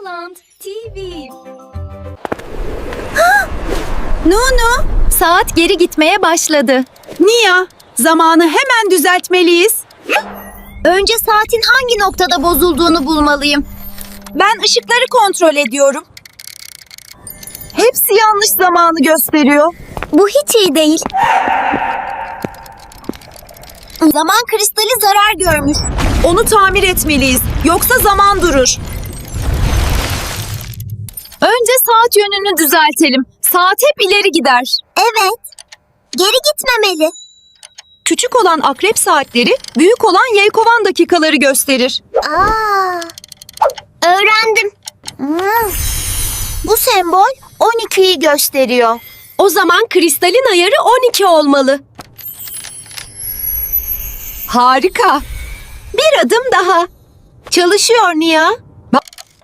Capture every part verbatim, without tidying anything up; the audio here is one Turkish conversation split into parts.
Sound T V. Nunu, Saat geri gitmeye başladı. Nia, zamanı hemen düzeltmeliyiz. Önce saatin hangi noktada bozulduğunu bulmalıyım. Ben ışıkları kontrol ediyorum. Hepsi yanlış zamanı gösteriyor. Bu hiç iyi değil. Zaman kristali zarar görmüş. Onu tamir etmeliyiz, yoksa zaman durur. Önce saat yönünü düzeltelim. Saat hep ileri gider. Evet. Geri gitmemeli. Küçük olan akrep saatleri, büyük olan yelkovan dakikaları gösterir. Aa, öğrendim. Hmm. Bu sembol on ikiyi gösteriyor. O zaman kristalin ayarı on iki olmalı. Harika. Bir adım daha. Çalışıyor Nia. Bak.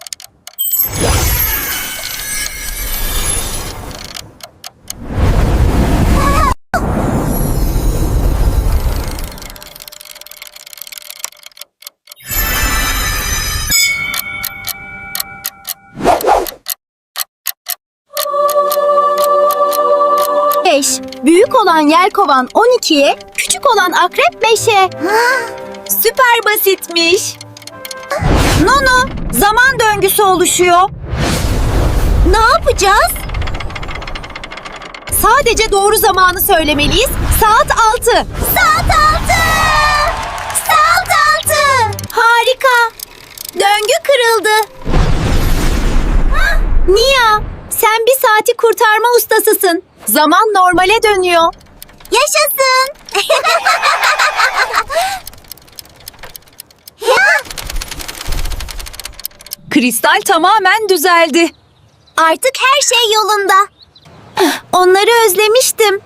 beş. Büyük olan yelkovan on ikiye, küçük olan akrep beşe. Süper basitmiş. Nunu, zaman döngüsü oluşuyor. Ne yapacağız? Sadece doğru zamanı söylemeliyiz. Saat altı. Saat altı! Saat altı! Harika! Döngü kırıldı. Nia, sen bir saati kurtarma ustasısın. Zaman normale dönüyor. Yaşasın! Kristal tamamen düzeldi. Artık her şey yolunda. Onları özlemiştim.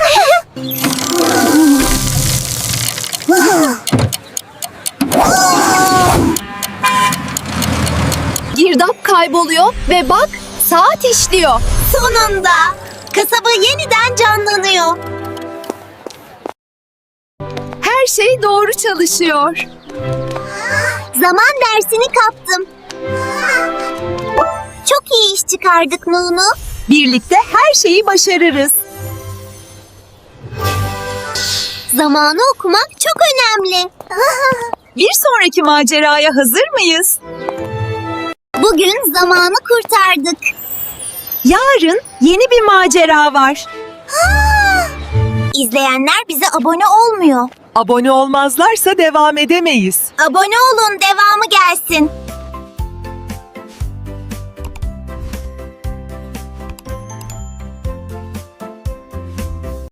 Girdap kayboluyor ve bak, saat işliyor. Sonunda kasaba yeniden canlanıyor. Her şey doğru çalışıyor. Zaman dersini kaptım. Çok iyi iş çıkardık Nunu. Birlikte her şeyi başarırız. Zamanı okumak çok önemli. Bir sonraki maceraya hazır mıyız? Bugün zamanı kurtardık. Yarın yeni bir macera var. İzleyenler bize abone olmuyor. Abone olmazlarsa devam edemeyiz. Abone olun, devamı gelsin.